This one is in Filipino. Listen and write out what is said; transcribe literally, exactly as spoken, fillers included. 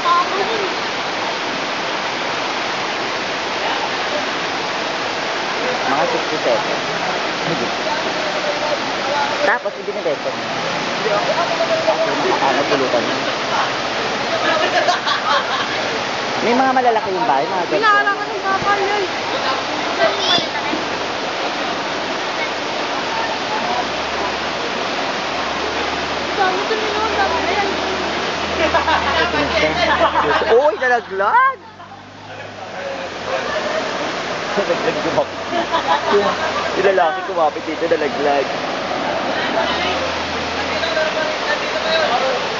Mga sixty-seven. Tapos, ibinibenta niya. Kasi nakakapulutan niya. May mga malalaki yung bahay, mga ganito. Pinaharangan ng bakal yun. Dami ito nila, dami na yan. Uy, nalaglag! Nalaglag kumapit. Yung lalaki kumapit dito, nalaglag.